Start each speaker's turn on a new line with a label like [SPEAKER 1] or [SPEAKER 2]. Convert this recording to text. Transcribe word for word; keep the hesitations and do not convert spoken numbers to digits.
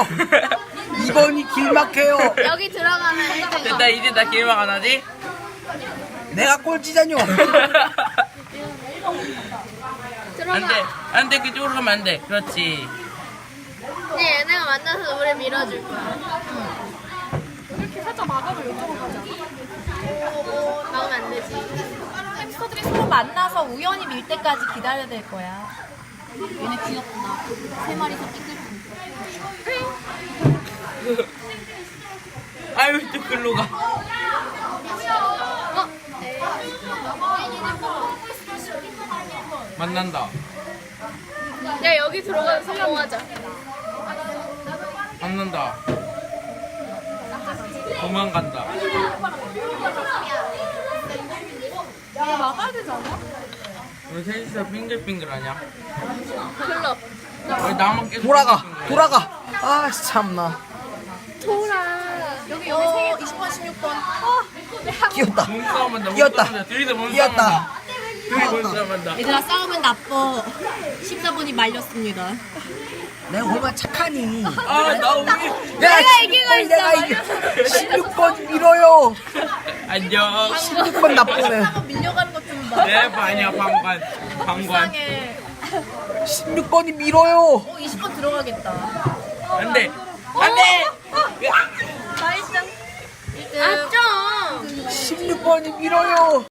[SPEAKER 1] 이 번이 길 막혀요.
[SPEAKER 2] 여기 들어가면 일 등.
[SPEAKER 3] 됐다, 이제 나 게임 안 하지?
[SPEAKER 1] 내가 꼴찌자뇨.
[SPEAKER 2] 들어가.
[SPEAKER 3] 안 돼, 안 돼, 그쪽으로 가면 안 돼. 그렇지.
[SPEAKER 2] 네, 얘네가 만나서 우리 밀어줄 거야.
[SPEAKER 4] 이렇게 살짝 막아도 이쪽으로 가자.
[SPEAKER 2] 막으면 안 되지.
[SPEAKER 4] 햄스터들이 서로 만나서 우연히 밀 때까지 기다려야 될 거야. 얘네 귀엽구나. 세 마리서 띵글띵글.
[SPEAKER 3] 아유, 또 글로 가.
[SPEAKER 2] 어?
[SPEAKER 3] 만난다.
[SPEAKER 2] 야, 여기 들어가서 성공하자.
[SPEAKER 3] 만난다. 도망간다.
[SPEAKER 4] 야, 막아야 되지 않아?
[SPEAKER 3] 왜 셋이서 빙글빙글하냐?
[SPEAKER 2] 클럽.
[SPEAKER 3] 왜 나만 계속
[SPEAKER 1] 돌아가,
[SPEAKER 3] 빙글빙글해?
[SPEAKER 1] 돌아가. 아, 참나.
[SPEAKER 2] 돌아.
[SPEAKER 4] 여기 여기 세 개, 이십 번, 십육 번. 어,
[SPEAKER 1] 끼었다.
[SPEAKER 3] 몸싸움한다.
[SPEAKER 1] 끼었다.
[SPEAKER 3] 몸싸움한다. 둘이서
[SPEAKER 1] 끼었다.
[SPEAKER 3] 몸싸움한다. 둘이 몸싸움한다.
[SPEAKER 4] 얘들아 싸우면 나빠. 십사 번이 말렸습니다.
[SPEAKER 1] 내가 얼마나 착하니.
[SPEAKER 3] 아, 나 우리.
[SPEAKER 1] 내가
[SPEAKER 2] 이기고 있어.
[SPEAKER 1] 내가 이겨. 십육 번 밀어요.
[SPEAKER 3] 안녕.
[SPEAKER 1] 십육 번 나쁘네.
[SPEAKER 4] 한번 밀려가는 것 좀 봐.
[SPEAKER 3] 내 반이야, 방관. 방관.
[SPEAKER 4] 이상해.
[SPEAKER 1] 십육 번이 밀어요.
[SPEAKER 4] 어, 이십 번 들어가겠다.
[SPEAKER 3] 안 돼. 안 돼.
[SPEAKER 4] 나이스.
[SPEAKER 2] 아, 좀.
[SPEAKER 1] 십육 번이 밀어요.